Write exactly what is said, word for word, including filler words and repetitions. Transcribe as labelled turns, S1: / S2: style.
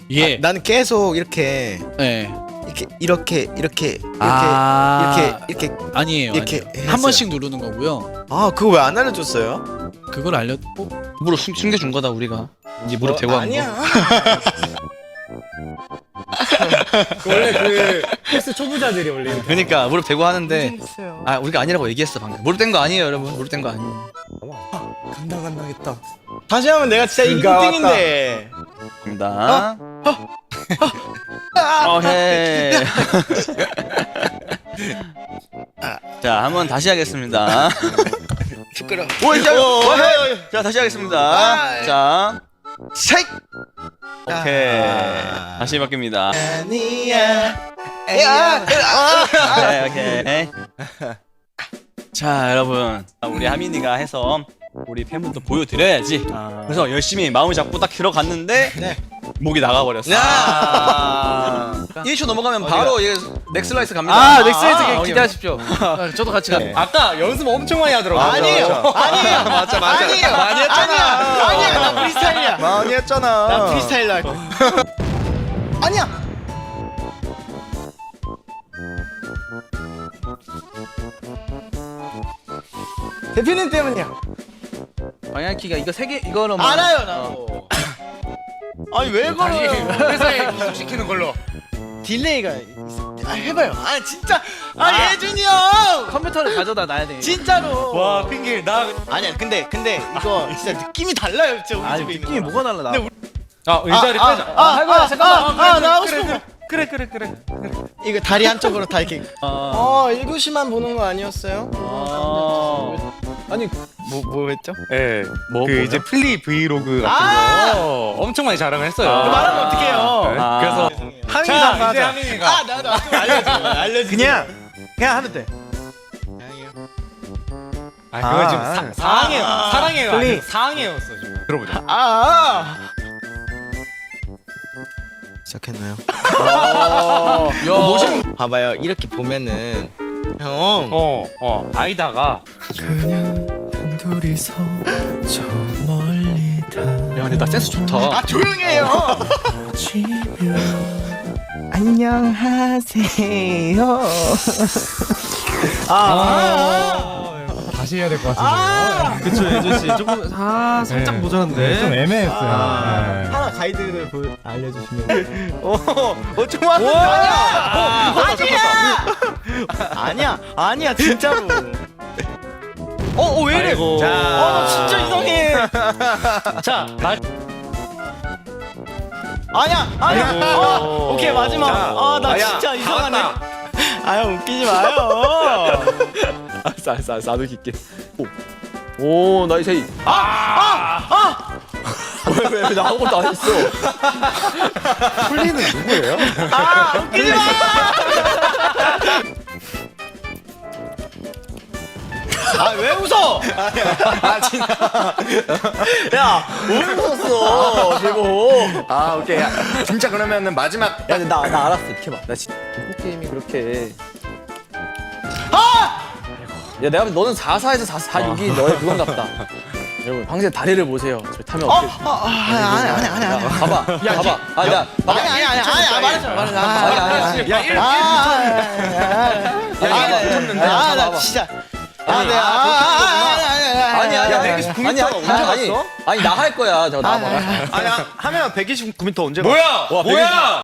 S1: 예.
S2: 아, 나는 계속 이렇게
S1: 네.
S2: 이렇게 이렇게 이렇게 이렇게
S1: 아...
S2: 이렇게 이렇게
S1: 아니에요.
S2: 이렇게
S1: 아니에요.
S2: 했어요.
S1: 한 번씩 누르는 거고요.
S2: 아 그거 왜 안 알려줬어요?
S1: 그걸 알렸고
S3: 무릎 숨, 숨겨준 거다 우리가. 이제 무릎 대고 하는
S2: 아니야.
S3: 거.
S4: 원래 그 헬스 초보자들이 원래 이렇게.
S3: 그러니까 무릎 대고 하는데
S2: 있어요.
S3: 아 우리가 아니라고 얘기했어 방금. 무릎 댄 거 아니에요 여러분. 무릎 댄 거 아니에요.
S2: 간다 간다겠다. 다시 하면 내가 진짜 일
S4: 그가
S2: 등인데.
S3: 입니다. 어헤. 자, 한번 다시 하겠습니다.
S2: 시끄러.
S3: 오, 이제
S2: 오,
S3: 어헤. 자, 다시 하겠습니다.
S2: 아.
S3: 자,
S2: 쉐이크.
S3: 오케이.
S2: 아.
S3: 다시 바뀝니다.
S2: 아니야.
S3: 야, 오케이, 오케이. 자, 여러분, 우리 하민이가 해서 우리 팬분도 보여드려야지. 그래서 열심히 마음을 잡고 딱 들어갔는데
S2: 네.
S3: 목이 나가버렸어.
S2: 아.
S3: 일 초 넘어가면 바로 이게 넥슬라이스 갑니다.
S1: 아 넥스라이트
S3: 아,
S1: 아,
S3: 오케이.
S1: 기대하십시오. 아, 저도 같이
S3: 네.
S1: 가.
S4: 아까 연습 엄청 많이 하더라고.
S2: 아니에요. 아니에요.
S3: 맞아, 맞아.
S2: 아니에요.
S3: 많이 했잖아.
S2: 아니야. 아니야. 나 프리스타일이야.
S3: 많이 했잖아.
S2: 나 프리스타일로 할 거야. 아니야. 대표님 때문이야.
S1: 방향키가 이거 세 개 이거는 뭐
S2: 알아요 나도. 아니 왜 걸어요?
S4: 회사에 기숙시키는 걸로.
S2: 딜레이가 있어. 아 해봐요. 아 진짜. 아,
S1: 아.
S2: 예준이 형.
S1: 컴퓨터를 가져다 놔야 돼.
S2: 진짜로.
S4: 와 핑계 나.
S2: 아니야 근데 근데 이거 진짜 느낌이 달라요 진짜 우리
S1: 아니
S2: 집에 있는
S1: 느낌이
S2: 거랑.
S1: 뭐가 달라 나.
S2: 근데 우리-
S4: 아 의자를
S2: 아,
S4: 빼자.
S2: 아,
S1: 할 거야,
S2: 아,
S1: 잠깐만.
S2: 아, 아, 나 하고 싶은 거.
S4: 그래 그래 그래.
S2: 이거 다리 한쪽으로 다 이렇게.
S1: 아.
S2: 어 일 교시만 보는 거 아니었어요?
S1: 아.
S4: 아니
S2: 뭐 뭐 했죠?
S4: 예.
S3: 뭐,
S4: 그
S3: 뭐요?
S4: 이제 플리 브이로그 같은
S2: 아!
S4: 거 엄청 많이 자랑을 했어요.
S3: 아.
S2: 말하면 어떡해요?
S4: 네,
S3: 아.
S4: 그래서
S2: 하민이가
S4: 자
S2: 한번
S4: 이제
S2: 하자.
S4: 하민이가
S2: 아 나도 좀 알려줘. 알려줘.
S5: 그냥 그냥 하면 돼.
S4: 아 그거 지금
S5: 아.
S4: 사, 사항해요.
S2: 아.
S4: 사랑해요.
S5: 플리.
S4: 아니고 사항해였어 지금. 들어보자.
S2: 아. 시작했나요?
S1: 야 멋있는.
S2: 봐봐요 이렇게 보면은 형.
S4: 어, 어, 아이다가
S5: 그냥 둘이서 저 멀리
S3: 야, 근데 나 센스 좋다.
S2: 아 조용해요.
S5: 다치면 안녕하세요.
S4: 다시 해야 될 것 같은데.
S5: 그쵸 예준 씨 조금 아 살짝
S4: 네.
S5: 모자란데.
S4: 좀 애매했어요.
S2: 아,
S4: 네.
S2: 하나 가이드를 보, 알려주시면.
S5: 어좀 왔는데.
S2: 아니야. 아니야. 아니야. 아니야 진짜로. 어, 어, 왜 이래?
S3: 아이고.
S2: 자, 어, 나 진짜 이상해.
S4: 자, 나
S2: 아니야, 아니야.
S3: 아이고.
S2: 어, 오케이 마지막.
S3: 자,
S2: 아, 나
S3: 아야,
S2: 진짜
S3: 다
S2: 이상하네.
S3: 왔다.
S2: 아, 형 웃기지 마요.
S3: 알았어, 알았어, 알았어. 나도 깊게. 오, 나 이제.
S2: 아, 아,
S3: 왜, 왜, 왜, 나 아무것도 안 했어.
S5: 풀리는 누구예요?
S2: 아, 웃기지 마. 아, 왜 웃어? 아, 진짜. 야, 왜 웃었어? 제목.
S3: 아, 오케이. 야, 진짜 그러면은 마지막.
S2: 야, 근데 나, 나 알았어. 이렇게 봐.
S3: 나 진짜 공포 게임이 그렇게.
S2: 아!
S3: 야, 내가 보면 너는 사 사에서 사, 사 육이 너의 그건가 보다. 여러분, 황제 다리를 보세요. 저 타면
S2: 어,
S3: 어떻게.
S2: 아, 아, 아니, 아니, 아니, 아니, 아니.
S3: 봐봐. 야, 봐봐. 아, 야, 봐봐.
S2: 아니, 아니, 아니, 아니, 아니, 말했잖아, 말했잖아.
S3: 아니, 아니, 아니.
S2: 야, 일, 아, 아,
S3: 쳤는데.
S2: 아, 나 진짜. 아, 네, 아, 아, 아,
S3: 아니, 아니, 아니.
S5: 백이십구 미터
S3: 아니, 아니,
S5: 언제
S3: 아니,
S5: 갔어?
S3: 아니, 나 할 거야. 저 나와봐.
S5: 아니 하면 백이십구 미터 언제
S4: 뭐야?
S3: 와,
S4: 뭐야?